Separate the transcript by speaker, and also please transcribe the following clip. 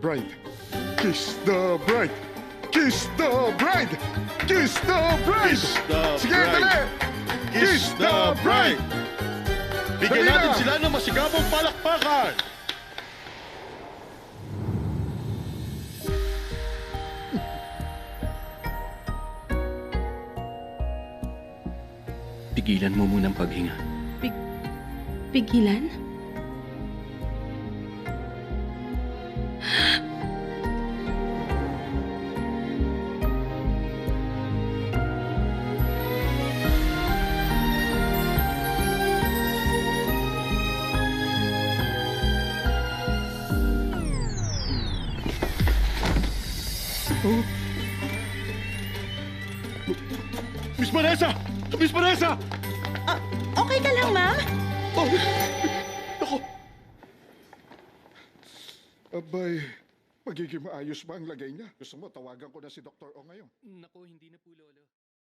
Speaker 1: bride. Kiss the bride. Kiss the bride. Kiss the bride.
Speaker 2: Kiss the
Speaker 1: Sige,
Speaker 2: bride.
Speaker 1: dali.
Speaker 2: Kiss the bride! Bigyan
Speaker 1: Dali
Speaker 2: natin
Speaker 1: na.
Speaker 2: sila ng masigabong palakpakan!
Speaker 3: Pigilan mo munang paghinga.
Speaker 4: Pigilan?
Speaker 2: Miss Vanessa! Miss Vanessa!
Speaker 4: Okay ka lang, ma'am?
Speaker 2: Oh, ako,
Speaker 1: Abay, magiging maayos ba ang lagay niya? Gusto mo, tawagan ko na si Dr. O ngayon.
Speaker 3: Naku, hindi na po, Lolo.